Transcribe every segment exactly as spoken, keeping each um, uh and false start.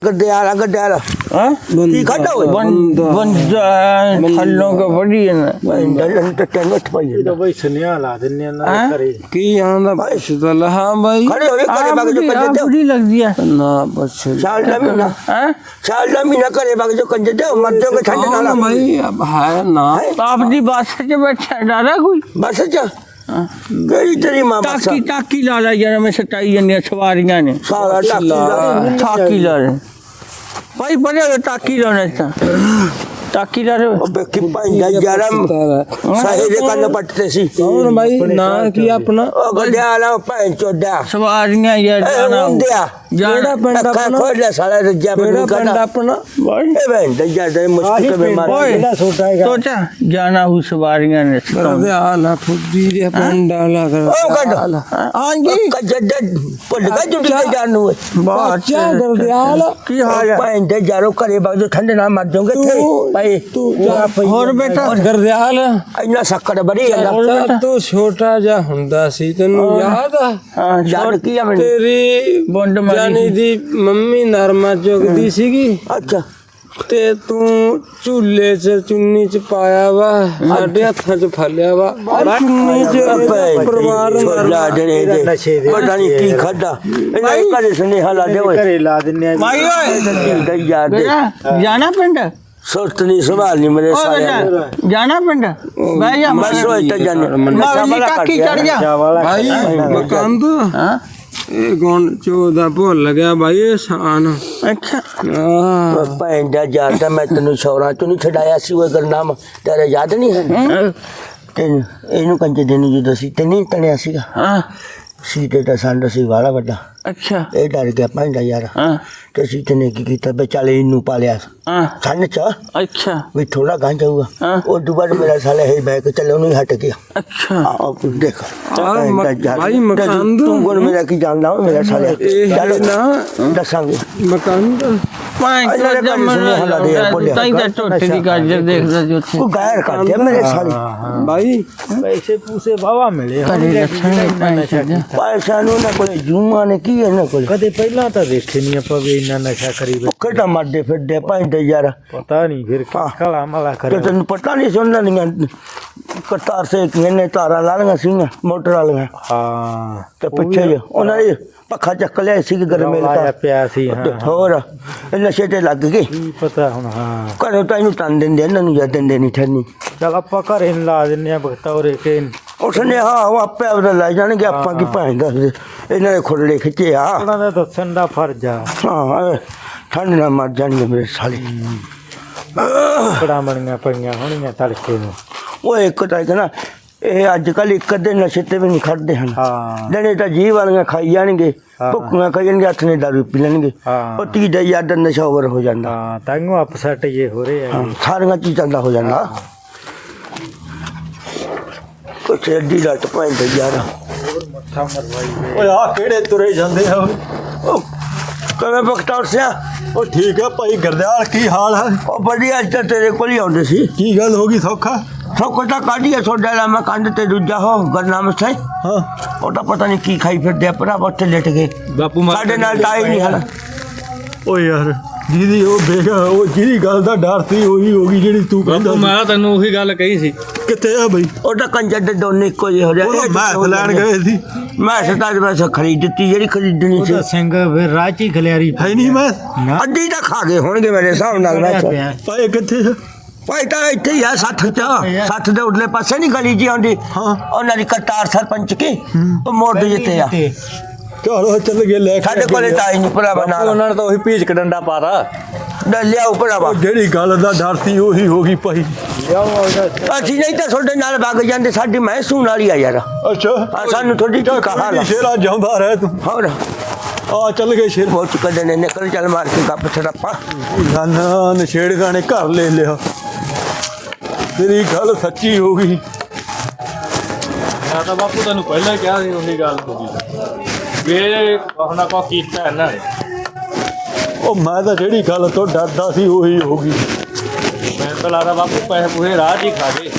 गड्ढे गड्ढे की खड्डा हो ਬੰਦਾ ਥੱਲੋਂ ਕੋ ਵੜੀ ਨਾ टेंट पाई तो भाई सुनिया ला दिन्ने ना करे ਕੀ ਆਂਦਾ ਭਾਈ ਸੁਦਲ ਹਾਂ ਭਾਈ खड़े हो करे बाग जो कंजे दे ਬੁਰੀ ਲੱਗਦੀ ਹੈ ਨਾ ਬਸ साल दा महीना हैं साल दा महीना करे बाग जो कंजे दे मर जाओगे ठंड ना ਨਾ ਭਾਈ ਅਬ ਹੈ ਨਾ ਆਪ ਦੀ ਬੱਸ 'ਚ ਬੈਠਾ ਡਰਾ ਕੋਈ बस चा गई तेरी मां बस ਟਾਕੀ ਟਾਕੀ ਲਾ ਲਾ ਯਾਰ ਮੈਂ ਸਟਾਈ ਜਾਂਦੀਆਂ ਸਵਾਰੀਆਂ ਨੇ सारा टाकी ਟਾਕੀ ਲਾ ਰਹੇ ਭਾਈ ਬੜੇ ਟਾਕੀ ਲਾਉਣੇ ਤਾਂ ਟਾਕੀ ਲਾ ਰਹੇ अबे की पांडा जरम साहिल कन पटते सी ਕੌਣ ਭਾਈ ਨਾ ਕੀ ਆਪਣਾ ओ गड्ढे वाला पैन चोदा ਸਵਾਰੀਆਂ ਯਾਰ ਜਾਣਾ ਹੁੰਦਿਆ ਜਿਹੜਾ ਪਿੰਡ ਆਪਣਾ खोल ले साला रज्जा ਕਿਹੜਾ बन ਪਿੰਡ का ਆਪਣਾ ਭਾਈ ए बहन दज्जा दे मुश्किल में मार ਓਏ ना छोटा है ਤੋਚਾ ਜਾਣਾ ਹੂ ਸਵਾਰੀਆਂ ਨੇ ਕਰਦੇ ਆਲਾ ਫੁੱਦੀ ਦੇ ਪਿੰਡ ਆਲਾ ਕਰ ओ गड्ढ ਹਾਂਜੀ कजड पुल का जुट के जानू ਬਾਚਾ ਕਰਦੇ ਆਲਾ ਕੀ ਹਾਲ ਹੈ पैन दे जारो करे बाग जो ठंड ना मर जाओगे थे भाई ਤੂੰ ਹੋਰ ਬੇਟਾ ਕਰਦੇ ਹਾਲ ਇੰਨਾ ਸ਼ੱਕਰ ਬੜੀ ਅੱਛਾ ਤੂੰ ਛੋਟਾ ਜਿਹਾ ਹੁੰਦਾ ਸੀ ਤੈਨੂੰ ਯਾਦ ਆ ਹਾਂ ਯਾਦ ਕੀ ਆ ਮੈਨੂੰ ਤੇਰੀ ਬੁੰਡ ਮਾਰੀ ਜਾਨੀ ਦੀ ਮੰਮੀ ਨਰਮਾ ਚੁਗਦੀ ਸੀਗੀ ਅੱਛਾ ਤੇ ਤੂੰ ਝੂਲੇ 'ਚ ਚੁੰਨੀ 'ਚ ਪਾਇਆ ਵਾ ਸਾਡੇ ਹੱਥਾਂ 'ਚ ਫਲਿਆ ਵਾ ਚੁੰਨੀ 'ਚ ਪਰਿਵਾਰ ਲਾ ਜਿਹੜੇ ਪਤਾ ਨਹੀਂ ਕੀ ਖਾਦਾ ਇਹਨਾਂ ਦੇ ਘਰੇ ਸੁਨੇਹਾ ਲਾ ਦੇ ਓਏ करे ला दिन्ने ਮਾਈ ਓਏ ਯਾਦ ਦੇ ਜਾਣਾ ਪਿੰਡ ਸੁਰਤ ਨਹੀਂ ਸੰਭਾਲਣੀ ਮੇਰੇ ਸਾਰੇ ਜਾਣਾ ਪਿੰਡ ਬਹਿ ਜਾ ਬਸ ਉਹ ਇੱਥੇ ਜਾਣੇ ਮਾਰੀ ਕਾਕੀ ਚੜ ਜਾ भाई ਮਕੰਦ ਹਾਂ ਇਹ ਗੋਣ ਚੋਦਾ ਭੁੱਲ ਗਿਆ ਭਾਈ ਇਹ ਸ਼ਾਨ ਅੱਛਾ ਆ ਭੈਣ ਦਾ ਯਾਦ ਮੈਂ ਤੈਨੂੰ ਸ਼ੌਰਾਂ ਤੋਂ ਨਹੀਂ ਛਡਾਇਆ ਸੀ ਉਹ ਗਰਨਾਮ ਤੇਰਾ ਯਾਦ ਨਹੀਂ ਹੈ ਤੈਨੂੰ ਇਹਨੂੰ ਕੰਜੇ ਦੇਣੀ ਜਦੋਂ ਸੀ ਤੇ ਨਹੀਂ ਤਣਿਆ ਸੀਗਾ ਹਾਂ ਸੀਤੇ ਦਾ ਸੰਡ ਸੀ ਵਾਲਾ ਵੱਡਾ ਅੱਛਾ ਇਹ ਡਰ ਗਿਆ ਭੈਣ ਦਾ ਯਾਰ ਹਾਂ ਤੇ ਸੀਤੇ ਨੇ ਕੀ ਕੀਤਾ ਬੇ ਚੱਲ ਇਹਨੂੰ ਪਾਲਿਆ ਹਾਂ ਸੰਨ ਚ ਅੱਛਾ ਵੀ ਥੋੜਾ ਗਾਂ ਜਾਊਗਾ ਹਾਂ। ਉਹ ਦੁਬਾਰਾ ਮੇਰਾ ਸਾਲੇ ਹੈ ਬੈਕ ਚੱਲੇ ਉਹਨੂੰ ਹਟ ਗਿਆ ਅੱਛਾ ਆਹ ਦੇਖ ਭਾਈ ਮਕੰਦ ਤੂੰ ਕੋਣ ਮੇਰਾ ਕੀ ਜਾਣਦਾ ਮੇਰਾ ਸਾਲੇ ਇਹ ਚੱਲ ਨਾ ਦੱਸਾਂਗੇ ਮਕੰਦ ਪਾਈ ਇਹਨਾਂ ਦੇ ਘਰੇ ਸੁਨੇਹਾ ਲਾ ਦੇ ਯਾਰ, ਬੋਲਿਆ। ਤਾਂ ਹੀ ਤਾਂ ਟੋਟੇ ਦੀ ਗਾਜਰ ਦੇਖਦਾ ਜੋ ਉੱਥੇ ਉਹ ਗਾਇਰ ਕਰ ਦਿਆ ਮੇਰੇ ਸਾਲੇ ਭਾਈ पैसे पूसे बाबा मिले ਘਰੇ ਰੱਖਣੇ ਪੈਸੇ ਪੈਸਾ ਨੂੰ ਨਾ ਕੋਲੇ ਜੂਮਾ ਨੇ ਕੀ ਇਹਨਾਂ ਕੋਲੇ कदे पहला तो देखे नहीं आप भी इन्ना नशा करी बैठे। ਭੁੱਖੇ ਤਾਂ ਮਰਦੇ ਫਿਰਦੇ ਭਾਂਦੇ ਯਾਰ पता नहीं फिर काला मला ਤੇ करे ਤੈਨੂੰ ਪਤਾ ਨਹੀਂ ਸੁਣਨਾ ਨਹੀਂ ਕਰਤਾਰ ਸੇ ਕਿਹਨੇ ਤਾਰਾਂ ਲਾ ਲਈਆਂ ਸੀਗੀਆਂ ਮੋਟਰ ਵਾਲੀਆਂ हाँ ਤੇ ਪਿੱਛੇ ਜਿਹੇ ਉਹਨਾਂ ਨੇ ਪੱਖਾ ਚੱਕ ਲਿਆ ਸੀ ਗਰਮੇ आया ਦਾ प्यासी हाँ ਹੋਰ ਇਹ ਨਸ਼ੇ ਤੇ ਲੱਗ ਗਏ की पता हूँ हाँ ਘਰੋਂ ਤਾਂ ਇਹਨੂੰ ਤੰਨ ਦਿੰਦੇ ਇਹਨਾਂ ਨੂੰ ਜਾਂ ਦਿੰਦੇ ਨਹੀਂ ਠਰਨੀ चल आप घर इन ला दिन्ने भगता और एक इन ਉਸਨੇ ਹਾਂ ਉਹ ਆਪੇ ਆਪਦਾ ਲੈ ਜਾਣਗੇ ਆਪਾਂ ਕੀ ਭਾਂ ਦੱਸਦੇ ਇਹਨਾਂ ਦੇ ਖੁਰੜੇ ਖਿੱਚੇ ਆ ਉਹਨਾਂ ਦਾ ਦੱਸਣ ਦਾ ਫਰਜ਼ ਆ ਹਾਂ ਠੰਡ ਨਾਲ ਮਰ ਜਾਣਗੇ ਮੇਰੇ ਸਾਲੇ ਕੜਾ ਬਣੀਆਂ ਪਈਆਂ ਹੋਣੀਆਂ ਤੜਕੇ ਨੂੰ ਉਹ ਇੱਕ ਤਾਂ ਕਹਿੰਦਾ ਇਹ ਅੱਜ ਕੱਲ ਇੱਕ ਅੱਧੇ ਨਸ਼ੇ ਤੇ ਵੀ ਨਹੀਂ ਖੜਦੇ ਹਨ ਹਾਂ ਜਿਹੜੇ ਤਾਂ ਜੀਵ ਵਾਲੀਆਂ ਖਾਈ ਜਾਣਗੇ ਹਾਂ। ਭੁੱਖੀਆਂ ਖਾਈ ਜਾਣਗੇ ਹੱਥ ਨੇ ਦਾਰੂ ਪੀ ਲੈਣਗੇ ਹਾਂ। ਉਹ ਤੀ ਦਾ ਯਾਦ ਨਸ਼ਾ ਓਵਰ ਹੋ ਜਾਂਦਾ ਹਾਂ ਤਾਂਗੋ ਅਪਸੈਟ ਇਹ ਹੋ ਰਹੇ ਆ ਹਾਂ, ਸਾਰੀਆਂ ਚੀਜ਼ਾਂ ਦਾ ਹੋ ਜਾਂਦਾ ਕੁਛ ਐਡੀ ਲੱਟ ਪੈਂਦੇ ਯਾਰ ਮੱਥਾ ਮਰਵਾਈ ਓਏ ਆ ਕਿਹੜੇ ਤੁਰੇ ਜਾਂਦੇ ਆ ਓਏ? ਉਹ ਕਿਵੇਂ ਬਖਤੌਰ ਸਿਆ ਉਹ ਠੀਕ ਹੈ ਭਾਈ ਗਰਦਿਆਲ ਕੀ ਹਾਲ ਹੈ ਉਹ ਬੜੀ ਅੱਜ ਤਾਂ ਤੇਰੇ ਕੋਲ ਹੀ ਆਉਂਦੇ ਸੀ ਕੀ ਗੱਲ ਹੋ ਗਈ ਸੌਖਾ ਸੋਕੋ ਤਾਂ ਕਾਢੀਏ ਸੋਡਾ ਲਾ ਮੈਂ ਕੰਧ ਤੇ ਦੂਜਾ ਹੋ ਗਰਨਾਮ ਸੇ ਹਾਂ ਉਹ ਤਾਂ ਪਤਾ ਨਹੀਂ ਕੀ ਖਾਈ ਫਿਰਦੇ ਆ ਭਰਾ ਉੱਥੇ ਲਟ ਗਏ ਬਾਪੂ ਸਾਡੇ ਨਾਲ ਤਾਂ ਆਈ ਨਹੀਂ ਹਲ ਓ ਯਾਰ ਜਿਹਦੀ ਉਹ ਬੇਗਾ ਉਹ ਜਿਹਦੀ ਗੱਲ ਦਾ ਡਰ ਸੀ ਉਹੀ ਹੋ ਗਈ ਜਿਹੜੀ ਤੂੰ ਕਹਿੰਦਾ ਸੀ। ਮੈਂ ਤੈਨੂੰ ਉਹੀ ਗੱਲ ਕਹੀ ਸੀ ਕਿੱਥੇ ਆ ਬਈ ਉਹ ਤਾਂ ਕੰਜਰ ਦੇ ਦੋਨੇ ਇੱਕੋ ਜਿਹੇ ਹੋ ਉਹ ਰਹੇ ਮੈਂ ਲੈਣ ਗਏ ਸੀ ਮੈਂ ਸਤਾ ਬਸ ਖਰੀਦ ਦਿੱਤੀ ਜਿਹੜੀ ਖਰੀਦਣੀ ਸੀ ਉਹਦਾ ਸਿੰਘ ਫਿਰ ਰਾਚੀ ਖਲਿਆਰੀ ਹੈ ਨਹੀਂ ਮੈਂ ਅੱਧੀ ਤਾਂ ਖਾ ਗਏ ਹੋਣਗੇ ਮੇਰੇ ਹਿਸਾਬ ਨਾਲ ਮੈਂ ਪਿਆ ਪਾਏ ਕਿੱਥੇ ਆ ਭਾਈ ਤਾਂ ਇੱਥੇ ਹੀ ਆ ਸੱਠ ਚ ਸੱਠ ਦੇ ਉਰਲੇ ਪਾਸੇ ਨਹੀਂ ਗਲੀ ਜੀ ਆਉਂਦੀ ਹਾਂ। ਉਹਨਾਂ ਦੀ ਕਰਤਾਰ ਸਰਪੰਚ ਕੀ ਉਹ ਮੋੜ ਦੇ ਜਿੱਤੇ ਆ ਚਲੋ ਚੱਲ ਗਏ ਲੈ ਕੇ ਸਾਡੇ ਕੋਲੇ ਤਾਂ ਆਈ ਨਹੀਂ ਭਰਾਵਾ ਨਾਲ ਉਹਨਾਂ ਨੇ ਤਾਂ ਉਹੀ ਭੀਚ ਡੰਡਾ ਪਾਤਾ ਲਿਆਓ ਭਰਾਵਾ ਉਹ ਜਿਹੜੀ ਗੱਲ ਦਾ ਡਰ ਸੀ ਉਹੀ ਹੋ ਗਈ ਭਾਈ ਅਸੀਂ ਨਹੀਂ ਤਾਂ ਤੁਹਾਡੇ ਨਾਲ ਵਗ ਜਾਂਦੇ ਸਾਡੀ ਮੈਂ ਸੂਣ ਵਾਲੀ ਆ ਯਾਰ ਅੱਛਾ ਆ ਸਾਨੂੰ ਥੋੜੀ ਜਿਹੀ ਕਹਾ ਲਾ ਸ਼ੇਰਾ ਜਾਂਦਾ ਰਹਿ ਤੂੰ ਹੋਰ ਆ ਚੱਲ ਗਏ ਸ਼ੇਰ ਬਹੁਤ ਕਦੇ ਨੇ ਨਿਕਲ ਚੱਲ ਮਾਰ ਕੇ ਗੱਪ ਛੜਾਪਾ ਨਾ ਨਾ ਨਸ਼ੇੜੀਆਂ ਨੇ ਘਰ ਲੈ ਲਿਆ ਤੇਰੀ ਗੱਲ ਸੱਚੀ ਹੋ ਗਈ ਮੈਂ ਤਾਂ ਬਾਪੂ ਤੈਨੂੰ ਪਹਿਲਾਂ ਹੀ ਕਿਹਾ ਸੀ ਉਹੀ ਗੱਲ ਹੋ ਗਈ ਵੇ ਕੋਹਨਾ ਕੋ ਕੀਤਾ ਇਹਨਾਂ ਨੇ ਉਹ ਮੈਂ ਤਾਂ ਜਿਹੜੀ ਗੱਲ ਤੋਂ ਡਰਦਾ ਸੀ ਉਹੀ ਹੋ ਗਈ ਮੈਂ ਤਾਂ ਲੱਗਦਾ ਬਾਪੂ ਪੈਸੇ ਪੂਰੇ ਰਾਹ 'ਚ ਹੀ ਖਾ ਗਏ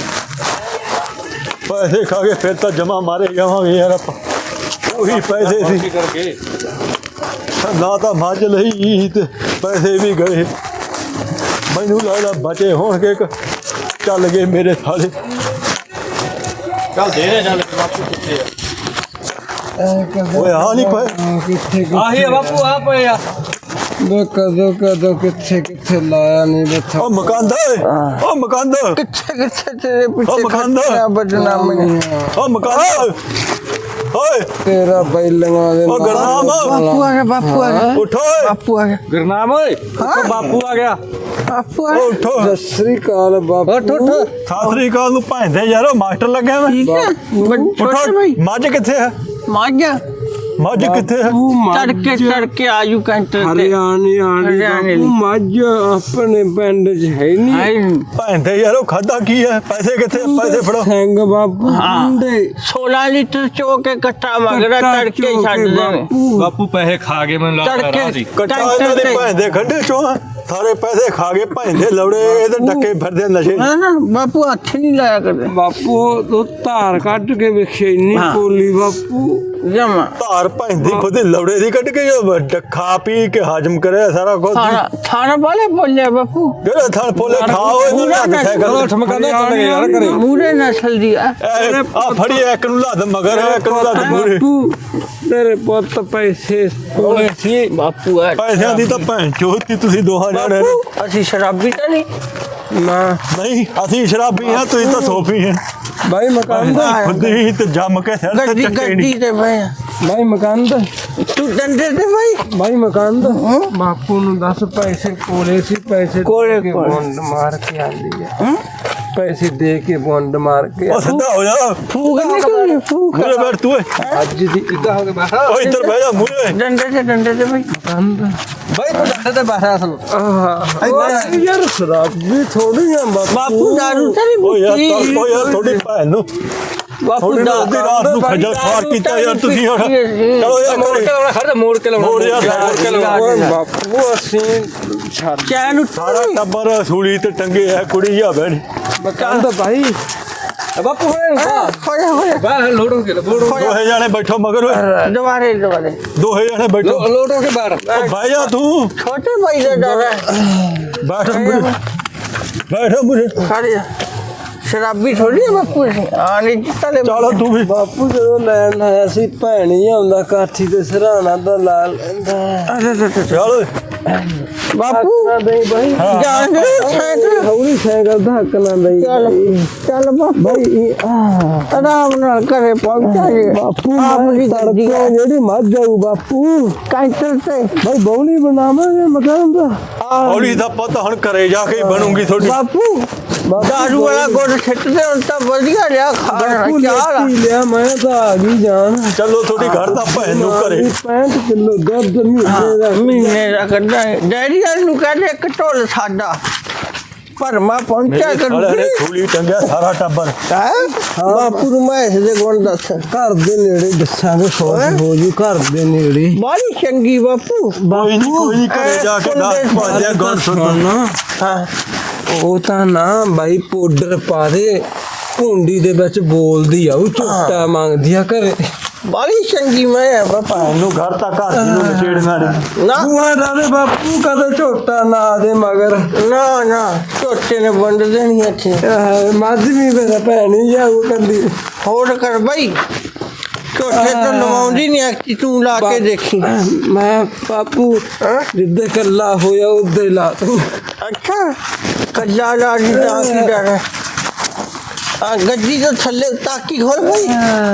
ਪੈਸੇ ਖਾ ਕੇ ਫਿਰ ਤਾਂ ਜਮਾ ਮਾਰੇ ਜਾਵਾਂਗੇ ਯਾਰ ਆਪਾਂ ਉਹੀ ਪੈਸੇ ਸੀ ਕੀ ਕਰਕੇ ਨਾ ਤਾਂ ਮੱਝ ਲਈ ਤੇ ਪੈਸੇ ਵੀ ਗਏ ਮੈਨੂੰ ਲੱਗਦਾ ਬਚੇ ਹੋਣਗੇ ਕਿ ਚੱਲ ਗਏ ਮੇਰੇ ਸਾਲੇ ਚੱਲ ਦੇ ਦੇ ਚੱਲ ਬਾਪੂ ਕਿੱਥੇ ਆ ਓਏ ਆ ਨਹੀਂ ਪਏ ਕਿੱਥੇ ਆਹੀ ਆ ਬਾਪੂ ਆ ਪਏ ਆ ਬੇ ਕਦੋਂ ਕਦੋਂ ਕਿੱਥੇ ਕਿੱਥੇ ਲਾਇਆ ਨਹੀਂ ਬੱਥਾ ਉਹ ਮਕਾਂਦਾ ਉਹ ਮਕਾਂਦਾ ਕਿੱਥੇ ਕਿੱਥੇ ਤੇਰੇ ਉਹ ਪਿੱਛੇ ਮਕਾਂਦਾ ਖੱਟਿਆ ਬਦਨਾਮ ਨੇ ਉਹ ਮਕਾਂਦਾ ਓਏ ਤੇਰਾ ਬੈਲੀਆਂ ਦੇ ਉਹ ਗੁਰਨਾਮ ਬਾਪੂ ਆ ਗਿਆ ਬਾਪੂ ਆ ਗਿਆ ਉਠੋ ਓਏ ਬਾਪੂ ਆ ਗਿਆ ਗੁਰਨਾਮ ਓਏ ਦੇਖੋ ਬਾਪੂ ਆ ਗਿਆ ਬਾਪੂ ਆ ਓ ਉਠੋ ਸਤਿ ਸ੍ਰੀ ਅਕਾਲ ਬਾਪੂ ਸਤਿ ਸ੍ਰੀ ਅਕਾਲ ਨੂੰ ਭੈਂਦੇ ਯਾਰੋ ਮਾਸਟਰ ਲੱਗਿਆ ਮੈਂ ਠੀਕ ਹੈ ਛੋਟੇ ਉਠੋ ਭਾਈ ਮੱਝ ਕਿੱਥੇ ਹੈ ਮਾਜਾ ਮੱਝ ਕਿੱਥੇ ਹੈ ਤੜਕੇ ਤੜਕੇ ਆਜੂ ਕੰਟਰ ਤੇ ਹਰਿਆਣੀ ਆਣੀ ਹਰਿਆਣੇ ਬਾਪੂ ਮੱਝ ਆਪਣੇ ਪਿੰਡ 'ਚ ਹੈ ਨਹੀਂ ਹਾਏ ਭੈਂਦੇ ਯਾਰੋ ਖਾਦਾ ਕੀ ਹੈ ਪੈਸੇ ਕਿੱਥੇ ਪੈਸੇ ਫੜੋ ਸਿੰਘ ਬਾਪੂ ਹਾਂ। ਮੁੰਡੇ ਸੋਲਾਂ ਲੀਟਰ ਚੋ ਕੇ ਕੱਟਾ ਮਗਰਾ ਤੜਕੇ ਹੀ ਛੱਡ ਦੇਵੇ ਬਾਪੂ ਪੈਸੇ ਖਾ ਗਏ ਮੈਨੂੰ ਲੱਗਦਾ ਰਾਹ ਤੜਕੇ ਦੀ ਕੱਟਾ ਇਹਨਾਂ ਦੇ ਭੈਂਦੇ ਖੰਡੇ ਚੋਂ ਆ। ਸਾਰੇ ਪੈਸੇ ਖਾ ਗਏ ਭੈਂਦੇ ਲੌੜੇ ਇਹਦੇ ਟੱਕੇ ਫਿਰਦੇ ਨਸ਼ੇ ਹਾਂ ਨਾ ਬਾਪੂ ਹੱਥ ਨਹੀਂ ਲਾਇਆ ਕਰਦੇ ਬਾਪੂ ਉਹ ਧਾਰ ਕੱਢ ਕੇ ਵੇਖੇ ਇੰਨੀ ਹਾਂ। ਪੋਲੀ ਬਾਪੂ ਜਮਾ ਧਾਰ ਭੈਂਦੀ ਖੁਦ ਲੌੜੇ ਦੀ ਕੱਢ ਕੇ ਜੋ ਖਾ ਪੀ ਕੇ ਹਾਜ਼ਮ ਕਰਿਆ ਸਾਰਾ ਕੁਝ ਥਾਣਾ ਥਾਣਾ ਵਾਲੇ ਬੋਲਿਆ ਬਾਪੂ ਜਿਹੜਾ ਥਾਂ ਪੋਲੇ ਖਾਓ ਇਹਨੂੰ ਲੱਗ ਸਾਈਕਲ ਠਮਕਾਉਂਦਾ ਚੱਲ ਗਿਆ ਯਾਰ ਘਰੇ ਮੂਰੇ ਨਸਲ ਦੀ ਆ ਆ ਫੜੀ ਇੱਕ ਨੂੰ ਲੱਦ ਮਗਰ ਇੱਕ ਨੂੰ ਲੱਦ ਮੂਰੇ ਬਾਪੂ ਤੇਰੇ ਪੁੱਤ ਪੈਸੇ ਕੋਲੇ ਸੀ ਬਾਪੂ ਆ ਪੈਸਿਆਂ ਦੀ ਤਾਂ ਭੈਣ ਚੋਤੀ ਤੁਸੀਂ ਦੋਹਾਂ ਜਾਣੇ ਨੇ। ਬਾਪੂ ਅਸੀਂ ਸ਼ਰਾਬੀ ਤਾਂ ਨਹੀਂ ਨਾ ਨਹੀਂ ਅਸੀਂ ਸ਼ਰਾਬੀ ਹਾਂ ਤੁਸੀਂ ਤਾਂ ਸੋਫੀ ਹੈ ਬਾਈ ਮਕਾਨ ਦਾ ਖੁੱਦੀ ਤੇ ਜੰਮ ਕੇ ਸਿਰ ਤੇ ਗੱਡੀ ਚੱਕੇ ਗੱਡੀ ਨਹੀਂ ਤੇ ਭਾਈ ਬਾਈ ਮਕਾਨ ਦਾ ਤੂੰ ਡੰਡੇ ਤੇ ਭਾਈ ਬਾਈ ਮਕਾਨ ਦਾ ਬਾਪੂ ਨੂੰ ਦੱਸ ਪੈਸੇ ਕੋਲੇ ਸੀ ਪੈਸੇ ਕੋਲੇ ਦੇ ਕੇ ਕੋਲੇ। ਬੌਂਡ ਮਾਰ ਕੇ ਆਂਦੀ ਹੈ ਪੈਸੇ ਦੇ ਕੇ ਬੌਂਡ ਮਾਰ ਕੇ ਉਹ ਸਿੱਧਾ ਹੋ ਜਾ ਫੂਕ ਨਿਕਲ ਫੂਕ ਮੂਰੇ ਬੈਠ ਤੂੰ ਓਏ ਅੱਜ ਦੀ ਇੱਦਾਂ ਹੋ ਕੇ ਬੈਠਾ ਓ ਇੱਧਰ ਬਹਿ ਜਾ ਮੂਰੇ ਡੰਡੇ ਤੇ ਡੰਡੇ ਤੇ ਭਾਈ ਮਕਾਨ ਦਾ ਬਾਈ ਤੂੰ ਡੰਡੇ ਤੇ ਬੈਠਾ ਅਸਲ ਆਹ ਉਹ ਯਾਰ ਸ਼ਰਾਬੀ ਥੋੜੀ ਆ ਬਾਪੂ ਬਾਪੂ ਦਾਰੂ ਤਾਂ ਓ ਯਾਰ ਨਹੀਂ ਤਾਂ ਓ ਯਾਰ ਤੁਹਾਡੀ ਭੈਣ ਨੂੰ ਬਾਪੂ ਥੋੜੀ ਨਾ ਅੱਧੀ ਰਾਤ ਨੂੰ ਖੱਜਲ ਖਾਰ ਕੀਤਾ ਯਾਰ ਤੁਸੀਂ ਹੁਣ ਚਲੋ ਯਾਰ ਮੋੜ ਕੇ ਲਾਉਣਾ ਖੜ ਮੋੜ ਕੇ ਲਾਉਣਾ ਮੋੜ ਯਾਰ, ਮੋੜ ਕੇ ਲਾਉਣਾ ਓਏ ਬਾਪੂ ਅਸੀਂ ਛੱਡ ਚੈਨ ਸਾਰਾ ਟੱਬਰ ਸੂਲੀ ਤੇ ਟੰਗੇ ਆ ਕੁੜੀ ਆ ਬੈਣੀ ਮਕਾਨ ਦਾ ਭਾਈ ਬਾਪੂ ਹੋਏ ਹੋਇਆ ਹੋਇਆ ਬਾਹਰ ਲੋਡ ਹੋ ਕੇ ਲੋਡ ਹੋ ਦੋਹੇ ਜਾਣੇ ਬੈਠੋ ਮਗਰ ਓਏ ਦੁਬਾਰੇ ਦੁਬਾਰੇ ਦੋਹੇ ਜਾਣੇ ਬੈਠੋ ਲੋਡ ਹੋ ਕੇ ਬਾਹਰ ਓ ਬਹਿ ਜਾ ਤੂੰ ਛੋਟੇ ਭਾਈ ਦਾ ਡਰ ਹੈ ਬੈਠ ਮੂਰੇ ਬੈਠ ਮੂਰੇ ਖੜ ਜਾ ਸ਼ਰਾਬੀ ਥੋੜੀ ਹੈ ਬਾਪੂ ਅਸੀਂ ਆ ਨਹੀਂ ਜਿੱਤਲੇ ਚਲੋ ਤੂੰ ਵੀ ਬਾਪੂ ਜਦੋਂ ਲੈਣ ਆਇਆ ਸੀ ਭੈਣੀ ਆਉਂਦਾ ਕਾਠੀ ਤੇ ਸਰਾਣਾ ਦਾ ਲਾ ਲੈਂਦਾ ਚੱਲ ਓਏ ਬਾਪੂ ਨਾ ਦੇਈ ਬਾਈ ਜਾਣ ਦੇ ਸਾਈਕਲ ਹੌਲੀ ਸਾਈਕਲ ਦਾ ਹੱਕ ਨਾ ਦੇਈ ਚੱਲ ਚੱਲ ਬਾਪੂ ਬਾਈ ਆਰਾਮ ਨਾਲ ਘਰੇ ਪਹੁੰਚਾ ਜੇ ਬਾਪੂ ਆਪਣੀ ਗੱਡੀ ਤੜਕੇ ਜਿਹੜੀ ਮੱਝ ਜਾਊ ਬਾਪੂ ਕਾਂਟਰ ਤੇ ਬਾਈ ਬੌਲੀ ਬਣਾਵਾਂਗੇ ਮਕਾਨ ਦਾ ਹੌਲੀ ਦਾ ਪਤਾ ਹੁਣ ਘਰੇ ਜਾ ਕੇ ਹੀ ਬਣੂਗੀ ਤੁਹਾਡੀ ਬਾਪੂ ਦਾਰੂ ਵਾਲਾ ਗੁੜ ਛੱਟਦੇ ਹੁਣ ਤਾਂ ਵਧੀਆ ਲਿਆ ਖਾਣਾ ਬਾਪੂ ਚਾਹ ਲੱਤੀ ਲਿਆ ਮੈਂ ਤਾਂ ਆ ਗਈ ਜਾਨ ਚਲੋ ਤੁਹਾਡੀ ਘਰ ਦਾ ਭੈਣ ਨੂੰ ਘਰੇ ਪੈਂਹਠ ਕਿਲੋ ਦੁੱਧ ਮਹੀਨੇ ਦਾ ਮਹੀਨੇ ਦਾ ਕੱਢਾ ਡੈਡੀ ਵਾਲ ਨੂੰ ਕਹਿੰਦੇ ਇੱਕ ਢੋਲ ਸਾਡਾ ਭਰਮਾ ਪਹੁੰਚਿਆ ਮੇਰੇ ਸਾਲੇ ਕਰੂ ਨੇ ਸੂਲੀ ਟੰਗਿਆ ਸਾਰਾ ਟੱਬਰ ਹਾਂ ਬਾਪੂ ਨੂੰ ਮੈਂ ਇਸ ਦੇ ਗੁਣ ਦੱਸ ਘਰ ਦੇ ਨੇੜੇ ਦੱਸਾਂਗੇ ਸੌਖ ਹੋ ਜੂ ਘਰ ਦੇ ਨੇੜੇ ਬਾਲੀ ਚੰਗੀ ਬਾਪੂ ਕੋਈ ਨਹੀਂ ਕੋਈ ਨਹੀਂ ਘਰੇ ਜਾ ਕੇ ਦੱਸ ਭਾਜਿਆ ਗੱਲ ਸੁਣ ਹਾਂ ਉਹ ਤਾਂ ਨਾ ਬਾਈ ਪਾਊਡਰ ਪਾ ਦੇ ਭੁੰਡੀ ਦੇ ਵਿੱਚ ਬੋਲਦੀ ਆ ਉਹ ਝੂਟਾ ਮੰਗਦੀ ਆ ਘਰੇ ਬਾਲੀ ਚੰਗੀ ਮੈਂ ਆ ਬਾਪਾ ਨੂੰ ਘਰ ਤੱਕ ਘਰ ਦੀ ਨੂੰ ਛੇੜਨਾ ਨਹੀਂ ਨਾ ਬੂਆ ਦਾ ਬਾਪੂ ਕਦੇ ਝੋਟਾ ਨਾ ਦੇ ਮਗਰ ਨਾ ਨਾ ਝੋਟੇ ਨੇ ਵੰਡ ਦੇਣੀ ਇੱਥੇ ਆਹ, ਮੱਝ ਵੀ ਮੇਰਾ ਭੈਣੀ ਜਾਊ ਕੰਦੀ ਹੋਰ ਕਰ ਬਈ ਝੋਟੇ ਤੋਂ ਲਵਾਉਂਦੀ ਨਹੀਂ ਐਕਟੀ ਤੂੰ ਲਾ ਕੇ ਦੇਖੀ ਮੈਂ ਬਾਪੂ ਜਿੱਦੇ ਕੱਲਾ ਹੋਇਆ ਉਦੇ ਲਾ ਤੂੰ ਅੱਛਾ ਕੱਲਾ ਲਾ ਦੀ ਤਾਂ ਕੀ ਡਰ ਹੈ ਆ ਗੱਡੀ ਤੋਂ ਥੱਲੇ ਤਾਕੀ ਖੋਲ ਬਈ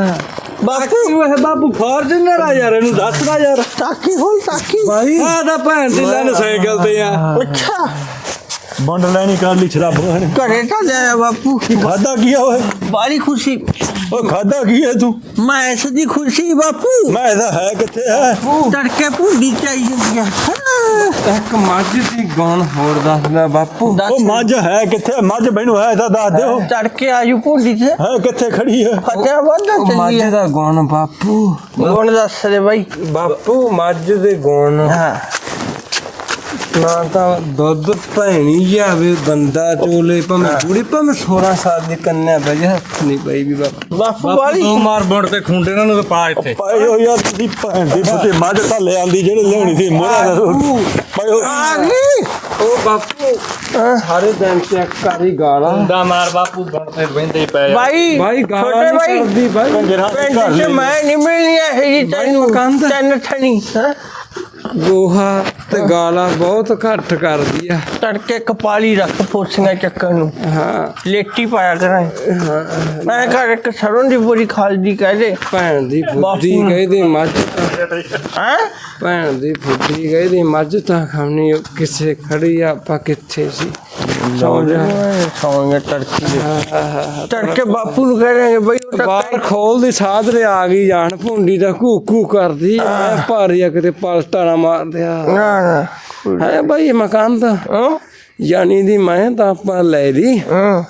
ਬਾਪੂ ਇਹ ਬਾਪੂ ਫਾਰਚੂਨਰ ਆ ਯਾਰ ਇਹਨੂੰ ਦੱਸਦਾ ਯਾਰ ਤਾਕੀ ਖੋਲ ਤਾਕੀ ਭਾਈ ਆ ਤਾਂ ਭੈਣ ਦੀ ਲੈਣ ਸਾਈਕਲ ਤੇ ਆ ਅੱਛਾ ਬੰਡ ਲੈਣੀ ਕਰ ਲਈ ਸ਼ਰਾਬ ਨੇ ਘਰੇ ਤਾਂ ਲਿਆ ਬਾਪੂ ਖਾਦਾ ਕੀ ਆ ਓਏ ਬਾਲੀ ਖੁਸ਼ੀ ਓ ਖਾਦਾ ਕੀ ਹੈ ਤੂੰ ਮੈਂ ਇਸ ਦੀ ਖੁਸ਼ੀ ਬਾਪੂ ਮੈਂ ਇਹਦਾ ਹੈ ਕਿੱਥੇ ਹੈ ਤੜਕੇ ਭੁੰਡੀ ਚਾਹੀਦੀ ਆ ਇੱਕ ਮੱਝ ਦੀ ਗਾਣ ਹੋਰ ਦੱਸਦਾ ਬਾਪੂ ਉਹ ਮੱਝ ਹੈ ਕਿੱਥੇ ਮੱਝ ਮੈਨੂੰ ਹੈ ਤਾਂ ਦੱਸ ਦਿਓ ਤੜਕੇ ਆਜੂ ਭੁੰਡੀ ਤੇ ਹੈ ਕਿੱਥੇ ਖੜੀ ਹੈ ਫਤਿਆ ਬੰਦਾ ਉਹ ਮੱਝ ਚੱਲੀ ਦਾ ਗਾਣ ਬਾਪੂ ਗੁਣ ਦੱਸ ਦੇ ਬਾਈ ਬਾਪੂ ਮੱਝ ਦੇ ਗਾਣ ਹਾਂ ਨਾ ਤਾਂ ਦੁੱਧ ਭੈਣੀ ਜਾਵੇ ਬੰਦਾ ਚੋਲੇ ਭਾਵੇਂ ਬੁੜੀ ਭਾਵੇਂ ਸੋਲਾਂ ਸਾਲ ਦੀ ਕੰਨਿਆ ਬਈ ਹੱਥ ਨਹੀਂ ਪਈ ਵੀ ਬਾਪੂ ਬਾਪੂ ਬਾਪੂ ਵਾਲੀ ਦੋ ਮਾਰ ਬੁਣ ਤੇ ਖੁੰਡੇ ਇਹਨਾਂ ਨੂੰ ਤੇ ਪਾ ਇੱਥੇ ਪਾਏ ਹੋ ਯਾਰ ਤੁਸੀਂ ਭੈਣ ਦੀ ਬੁੱਤੇ ਮੱਝ ਤਾਂ ਲੈ ਆਂਦੀ ਜਿਹੜੇ ਲਿਆਉਣੀ ਸੀ ਮੋਰਾ ਦਾ ਪਾਏ ਹੋ ਆ ਗਈ ਉਹ ਬਾਪੂ ਸਾਰੇ ਦਿਨ ਚੈੱਕ ਕਰੀ ਗਾਲਾਂ ਖੁੰਡਾ ਮਾਰ ਬਾਪੂ ਬੁਣ ਤੇ ਬਹਿੰਦੇ ਹੀ ਪਏ ਆ। ਭਾਈ ਭਾਈ ਗਾਲਾਂ ਛੋਟੇ ਨਹੀਂ ਭਾਈ ਕਰਦੀ ਭਾਈ ਕੰਜਰਾਂ ਦੇ ਘਰ ਪਿੰਡ ਲੈ ਚ ਮੈਂ ਨਹੀਂ ਮਿਲਣੀ ਇਹ ਜੀ ਤੈਨੂੰ ਮਕਾਨ ਤੈਨੂੰ ਠਣੀ ਹਾਂ ਗੋਹਾ ਤੇ ਗਾਲਾਂ ਬਹੁਤ ਘੱਟ ਕਰਦੀ ਆ ਤੜਕੇ ਕਪਾਲੀ ਰੱਖ ਫੋਸੀਆਂ ਚੱਕਣ ਨੂੰ ਹਾਂ ਲੇਟੀ ਪਾਇਆ ਕਰਾਂ ਮੈਂ ਘਰ ਇੱਕ ਸਰੋਂ ਦੀ ਬੋਰੀ ਖਾਲਦੀ ਕਹਦੇ ਭੈਣ ਦੀ ਫੁੱਦੀ ਕਹਿੰਦੀ ਮੱਝ ਹਾਂ ਭੈਣ ਦੀ ਫੁੱਦੀ ਕਹਿੰਦੀ ਮੱਝ ਤਾਂ ਖਾਣੀ ਕਿਸੇ ਖੜੀ ਆ, ਆਪਾਂ ਕਿੱਥੇ ਸੀ ਸੌਂ ਜਾ ਸੌਂਗੇ ਤੜਕੇ ਤੜਕੇ ਬਾਪੂ ਨੂੰ ਕਹਿ ਰਹੇ ਬਈ ਉਹ ਤਾਂ ਬਾਹਰ ਖੋਲ ਦੀ ਸਾਧਰੇ ਆ ਗਈ ਜਾਣ ਭੁੰਡੀ ਦਾ ਘੂ ਘੂ ਕਰਦੀ ਐ ਭਾਰੀ ਆ ਕਿਤੇ ਪਲਟਾ ਨਾ ਮਾਰ ਦਿਆ ਨਾ ਨਾ ਹੈ ਭਾਈ ਮਕਾਨ ਤਾਂ ਹਾਂ ਜਾਨੀ ਦੀ ਮੈਂ ਤਾਂ ਆਪਾਂ ਲੈ ਲਈ ਹਾਂ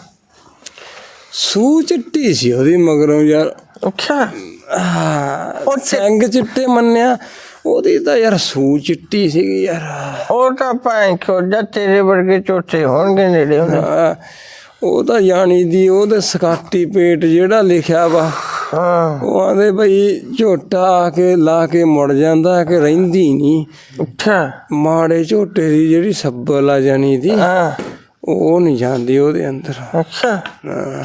ਸੂ ਚਿੱਟੀ ਸੀ ਉਹਦੀ ਮਗਰੋਂ ਯਾਰ ਅੱਛਾ ਉਹ ਸਿੰਘ ਚਿੱਟੇ ਮੰਨਿਆ ਉਹਦੀ ਤਾਂ ਯਾਰ ਸੂ ਚਿੱਟੀ ਸੀਗੀ ਯਾਰ ਉਹ ਤਾਂ ਭਾਂ ਖੋਜਾ ਤੇਰੇ ਵਰਗੇ ਚੋਟੇ ਹੋਣਗੇ ਨੇੜੇ ਹੁਣ ਹਾਂ, ਉਹ ਤਾਂ ਜਾਣੀ ਦੀ ਉਹਦੇ ਸਕਾਟੀ ਪੇਟ ਜਿਹੜਾ ਲਿਖਿਆ ਵਾ ਹਾਂ ਉਹ ਆਂਦੇ ਬਈ ਝੋਟਾ ਆ ਕੇ ਲਾ ਕੇ ਮੁੜ ਜਾਂਦਾ ਕਿ ਰਹਿੰਦੀ ਨਹੀਂ ਅੱਛਾ ਮਾੜੇ ਝੋਟੇ ਦੀ ਜਿਹੜੀ ਸੱਬਲ ਆ ਜਾਣੀ ਦੀ ਹਾਂ ਉਹ ਨਹੀਂ ਜਾਂਦੀ ਉਹਦੇ ਅੰਦਰ ਅੱਛਾ ਹਾਂ।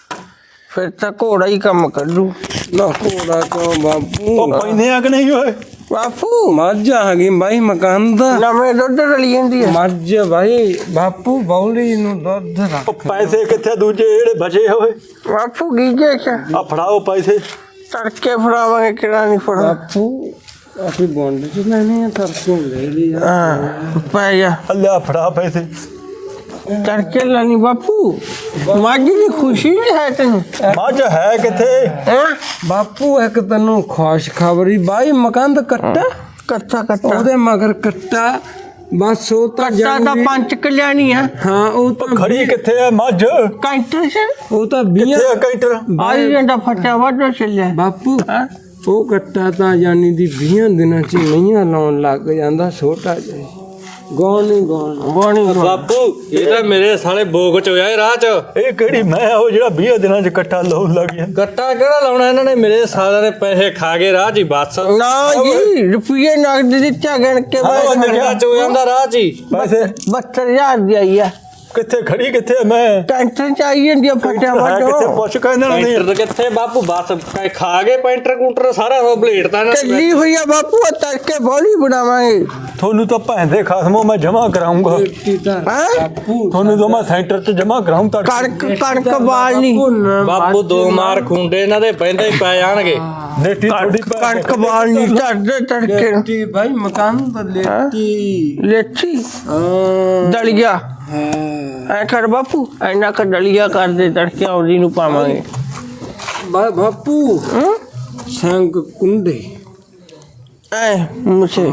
ਫਿਰ ਤਾਂ ਘੋੜਾ ਹੀ ਕੰਮ ਕਰੂ ਨਾ ਘੋੜਾ ਕਿਉਂ ਬਾਪੂ ਉਹ ਪੈਂਦੇ ਆ ਕਿ ਨਹੀਂ ਓਏ ਬਾਪੂ ਮੱਝ ਆ ਗਈ ਬਾਈ ਮਕਾਨ ਦਾ ਨਵੇਂ ਦੁੱਧ ਰਲੀ ਜਾਂਦੀ ਹੈ ਮੱਝ ਬਾਈ ਬਾਪੂ ਬੌਲੀ ਨੂੰ ਦੁੱਧ ਰੱਖ ਉਹ ਪੈਸੇ ਕਿੱਥੇ ਦੂਜੇ ਜਿਹੜੇ ਬਚੇ ਹੋਏ ਬਾਪੂ ਗੀਜੇ ਚ ਆ ਫੜਾਓ ਪੈਸੇ ਤੜਕੇ ਫੜਾਵਾਂਗੇ ਕਿਹੜਾ ਨਹੀਂ ਫੜਾ ਬਾਪੂ ਅਸੀਂ ਬੌਂਡ ਚ ਲੈਣੇ ਆ ਤਰਸੋਂ ਲੈ ਲਈ ਆ ਹਾਂ ਪੈ ਜਾ ਅੱਲਾ ਫੜਾ ਪੈਸੇ ਤੜਕੇ ਲਾਨੀ ਬਾਪੂ ਮਾਜੀ ਦੀ ਖੁਸ਼ੀ ਨਹੀਂ ਹੈ ਤੈਨੂੰ ਮੱਝ ਹੈ ਕਿੱਥੇ ਹੈਂ ਬਾਪੂ ਇੱਕ ਤੈਨੂੰ ਖੁਸ਼ ਖਬਰੀ ਬਾਈ ਮਕਾਨ ਦਾ ਕੱਟਾ ਕੱਟਾ ਕੱਟਾ ਉਹਦੇ ਮਗਰ ਕੱਟਾ ਬਸ ਉਹ ਤਾਂ ਕੱਟਾ ਤਾਂ ਜਾਣੀ- ਪੰਜ ਕਲਿਆਣੀ ਆ ਹਾਂ ਉਹ ਤਾਂ ਖੜੀ ਕਿੱਥੇ ਆ ਮੱਝ ਕਾਂਟਰ ਸੇ ਉਹ ਤਾਂ ਬੀਆਂ ਕਿੱਥੇ ਆ ਕੈਂਟਰ ਆਈ ਜਾਂਦਾ ਫਟਾ ਵਾਟੋ ਚੱਲਿਆ ਬਾਪੂ ਹਾਂ ਉਹ ਕੱਟਾ ਤਾਂ ਜਾਨੀ ਦੀ ਵੀਹਾਂ ਦਿਨਾਂ ਚ ਮਈਆਂ ਲਾਉਣ ਲੱਗ ਜਾਂਦਾ ਛੋਟਾ ਜਿਹਾ ਗੌਣ ਨਹੀਂ ਗੌਣ ਬੋਣੀ ਬਾਪੂ ਇਹ ਤਾਂ ਮੇਰੇ ਸਾਲੇ ਬੋਗ ਚ ਹੋਇਆ ਇਹ ਰਾਹ ਚ ਇਹ ਕਿਹੜੀ ਮੈਂ ਉਹ ਜਿਹੜਾ ਵੀਹ ਦਿਨਾਂ ਚ ਇਕੱਠਾ ਲਾਉਣ ਲੱਗ ਗਿਆ ਗੱਟਾ ਕਿਹੜਾ ਲਾਉਣਾ ਇਹਨਾਂ ਨੇ ਮੇਰੇ ਸਾਲਿਆਂ ਦੇ ਪੈਸੇ ਖਾ ਗਏ ਰਾਹ ਚ ਹੀ ਬਸ ਨਾ ਜੀ ਰੁਪਈਏ ਨਗਦ ਦਿੱਤਾ ਗਣ ਕੇ ਹਾਂ, ਗੱਟਾ ਚ ਹੋ ਜਾਂਦਾ ਰਾਹ ਚ ਹੀ ਪੈਸੇ ਬਹੱਤਰ ਹਜ਼ਾਰ ਦੀ ਆਈ ਆ ਕਿੱਥੇ ਖੜੀ ਕਿੱਥੇ ਆ ਮੈਂ ਟੈਂਸ਼ਨ ਚ ਆਈ ਜਾਂਦੀ ਆ ਫਟਾ ਹੈ ਕਿੱਥੇ ਵਾਟੋ ਪੁੱਛ ਕਹਿੰਦੇ ਨੇ ਪੈਂਟਰ ਕਿੱਥੇ ਬਾਪੂ ਬਸ ਕ- ਖਾ ਗਏ ਪੈਂਟਰ ਕੂਟਰ ਸਾਰਾ ਉਹ ਬਲੇਡ ਤਾਂ ਇਹਨਾਂ ਨੇ ਚੱਲੀ ਹੋਈ ਆ ਬਾਪੂ ਆ ਤੜਕੇ ਬੋਲੀ ਬਣਾਵਾਂਗੇ ਤੁਹਾਨੂੰ ਤਾਂ ਭੈਣ ਦੇ ਖਾਸਮੋਂ ਮੈਂ ਜਮਾ ਕਰਾਉਂਗਾ ਹਾਂ ਬਾਪੂ ਤੁਹਾਨੂੰ ਤਾਂ ਮੈਂ ਸੈਂਟਰ 'ਚ ਜਮਾ ਕਰਾਉਂ ਤਾਂ ਕਣਕ ਕਣਕ ਬਾਲਣੀ ਬਾਪੂ ਦੋ ਮਾਰ ਖੁੰਡੇ ਇਹਨਾਂ ਦੇ ਬਹਿੰਦੇ ਹੀ ਪੈ ਜਾਣਗੇ ਨੇਟੀ ਥੋੜੀ ਕਣਕ ਬਾਲਣੀ ਝੜਦੇ ਤੜਕੇ ਨੂੰ। ਲੇਟੀ ਬਾਈ ਮਕਾਨ ਤਾਂ ਲੇਟੀ ਲੇਠੀ ਹਾਂ ਦਲੀਆ ਐ ਕਰ ਬਾਪੂ ਐਨਾ ਕ ਦਲੀਆ ਕਰ ਦੇ ਤੜਕੇ ਆਉਦੀ ਨੂੰ ਪਾਵਾਂਗੇ ਬਾ- ਬਾਪੂ ਹਾਂ ਸੰਗ ਕੁੰਡੇ ਐ ਮੁਸੇ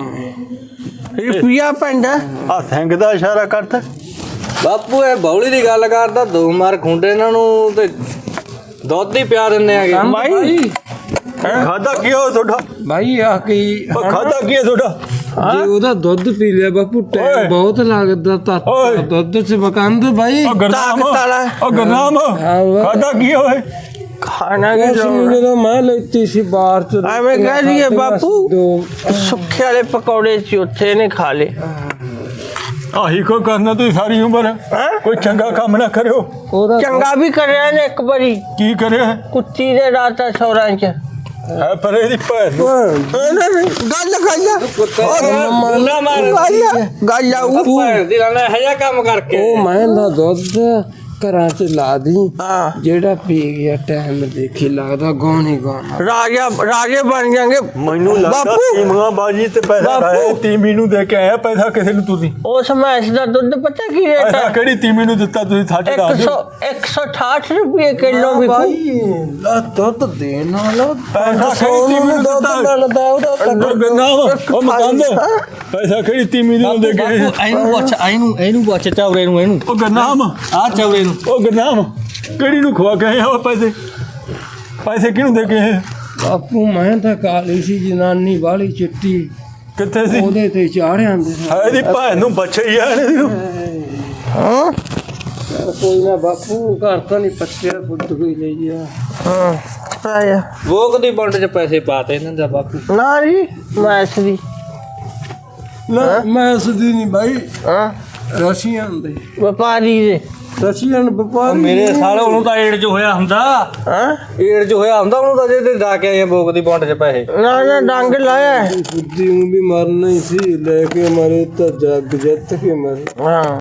ਰੁਪਿਆ ਪੈਂਦਾ ਆ ਸਿੰਘ ਦਾ ਇਸ਼ਾਰਾ ਕਰਤਾ ਬਾਪੂ ਇਹ ਬੌਲੀ ਦੀ ਗੱਲ ਕਰਦਾ ਦੋ ਮਾਰ ਖੁੰਡੇ ਇਹਨਾਂ ਨੂੰ ਤੇ ਦੁੱਧ ਹੀ ਪਿਆ ਦਿੰਦੇ ਆਗੇ ਬਾਈ ਖਾਦਾ ਕੀ ਹੋ ਤੁਹਾਡਾ ਭਾਈ ਆ ਕੀ ਉਹ ਖਾਦਾ ਕੀ ਹੈ ਤੁਹਾਡਾ ਜੇ ਉਹਦਾ ਦੁੱਧ ਪੀ ਲਿਆ ਬਾਪੂ ਓਏ। ਟਾਈਮ ਬਹੁਤ ਲੱਗਦਾ ਤਾਂ ਓਏ। ਦੁੱਧ ਚ ਮਕਾਨ ਦੇ ਭਾਈ ਉਹ ਗਰਨਾਮ ਤਾਕਤ ਵਾਲਾ। ਉਹ ਗਰਨਾਮ ਹਾਂ ਵਾ। ਖਾਦਾ ਕੀ ਹੋਏ ਖਾਣਾ ਕੀ ਉਸ ਨੂੰ ਜਦੋਂ ਮੈਂ ਲੈਤੀ ਸੀ ਬਾਹਰ ਚ ਐਵੇਂ ਕਹਿ ਦਈਏ ਬਾਪੂ ਦੋ ਸੁੱਖੇ ਵਾਲੇ ਪਕੌੜੇ ਸੀ ਉੱਥੇ ਨੇ ਖਾ ਲੇ ਆਹੀ ਕੋ ਕਰਨਾ ਤੁਸੀਂ ਸਾਰੀ ਉਮਰ ਹੈਂ? ਕੋਈ ਚੰਗਾ ਕੰਮ ਨਾ ਕਰਿਓ ਉਹਦਾ ਚੰਗਾ ਵੀ ਕਰਿਆ ਨੇ ਇੱਕ ਵਾਰੀ ਕੀ ਕਰਿਆ ਕੁੱਤੀ ਦੇ ਰਾਤਾ ਸੌਰਾਂ ਚ ਹੈ ਪਰ ਇਹਦੀ ਭੈਣ ਨੂੰ ਗੱਲ ਗੱਲ ਮੁੰਨਾ ਮਾਰ ਗੱਲ ਗੱਲ ਆਊ ਭੈਣ ਦੀ ਲਾਣਾ ਇਹ ਜਿਹਾ ਕੰਮ ਕਰਕੇ ਉਹ ਮੈਂ ਦਾ ਦੁੱਧ ਘਰਾਂ ਚ ਲਾ ਦੀ ਹਾਂ ਜਿਹੜਾ ਪੀ ਗਿਆ ਟਾਈਮ ਦੇਖੀ ਲੱਗਦਾ ਗੌਣ ਹੀ ਗੌਣ ਰਾਜਾ ਰਾਜੇ ਬਣ ਜਾਣਗੇ ਮੈਨੂੰ ਲੱਗਦਾ ਬਾਪੂ। ਤੀਮੀਆਂ ਬਾਜੀ ਤੇ ਪੈਸਾ ਬਾਪੂ। ਖਾਇਆ ਤੀਮੀ ਨੂੰ ਦੇ ਕੇ ਆਇਆ ਪੈਸਾ ਕਿਸੇ ਨੂੰ ਤੁਸੀਂ ਉਸ ਮੈਸ ਦਾ ਦੁੱਧ ਪਤਾ ਕੀ ਰੇਟ ਪੈਸਾ ਹੈ ਕਿਹੜੀ ਤੀਮੀ ਨੂੰ ਦਿੱਤਾ ਤੁਸੀਂ ਸੱਚ ਦੱਸ ਇੱਕ ਦਿਓ ਸੌ ਇੱਕ ਸੌ ਅਠਾਹਠ ਰੁਪਏ ਕਿਲੋ ਵੀ ਭਾਈ ਲਾ ਦੁੱਧ ਦੇਣ ਵਾਲਾ ਪੈਸਾ ਕਿਹੜੀ ਤੀਮੀ ਨੂੰ ਦਿੱਤਾ ਮਿਲਦਾ ਉਹਦਾ ਉਹ ਗੰਨਾਮ ਉਹ ਮਕਾਨ ਪੈਸਾ ਕਿਹੜੀ ਤੀਮੀ ਨੂੰ ਦੇ ਕੇ ਆਏ? ਇਹਨੂੰ ਪੁੱਛ ਇਹਨੂੰ ਇਹਨੂੰ ਪੁੱਛ ਚੌਰੇ ਨੂੰ ਇਹਨੂੰ ਉਹ ਗੰਨਾਮ ਆ ਚੌਰੇ ਨੂੰ ਉਹ ਗੰਨਾਮ ਕਿਹੜੀ ਨੂੰ ਖਵਾ ਕੇ ਆਏ ਉਹ ਪੈਸੇ ਪੈਸੇ ਕਿਹਨੂੰ ਦੇ ਕੇ ਆਏ? ਬਾਪੂ ਮੈਂ ਤਾਂ ਕਾਲੀ ਸੀ ਜਨਾਨੀ ਵਾਲੀ ਚਿੱਟੀ ਕਿੱਥੇ ਸੀ ਉਹਦੇ ਤੇ ਚਾੜਿਆ ਹੁੰਦੇ ਸੀ। ਇਹਦੀ ਭੈਣ ਨੂੰ ਬੱਚੇ ਜਾਣੇ ਹਾਂ ਕੋਈ ਨਾ ਬਾਪੂ ਘਰ ਤਾਂ ਨਹੀਂ ਪੱਛਿਆ ਫੁੱਟ ਕੋਈ ਲਈ ਗਿਆ। ਹਾਂ ਆਇਆ ਵੋਕ ਦੀ ਵੰਡ 'ਚ ਪੈਸੇ ਪਾਤੇ ਇਹਨਾਂ ਦਾ ਬਾਪੂ। ਨਾ ਜੀ ਮੈਸ ਦੀ ਨਾ ਮੈਂ ਸਦੀ ਨਹੀਂ ਬਾਈ ਹਾਂ ਰਸ਼ੀਅਨ ਦੇ ਵਪਾਰੀ ਦੇ ਰਸ਼ੀਅਨ ਵਪਾਰੀ ਮੇਰੇ ਸਾਲੇ ਉਹਨੂੰ ਤਾਂ ਏਡ 'ਚ ਹੋਇਆ ਹੁੰਦਾ ਹਾਂ ਏਡ 'ਚ ਹੋਇਆ ਹੁੰਦਾ ਉਹਨੂੰ ਤਾਂ ਜੇ ਤੇ ਜਾ ਕੇ ਆਏ ਵੋਕ ਦੀ ਵੰਡ 'ਚ ਪੈਸੇ। ਨਾ ਨਾ ਡੰਗ ਲਾਇਆ ਬੁੱਧੀ ਨੂੰ ਵੀ ਮਰਨਾ ਹੀ ਸੀ ਲੈ ਕੇ ਮਰੇ ਤਾਂ ਜੱਗ ਜਿੱਤ ਕੇ ਮਰੇ। ਹਾਂ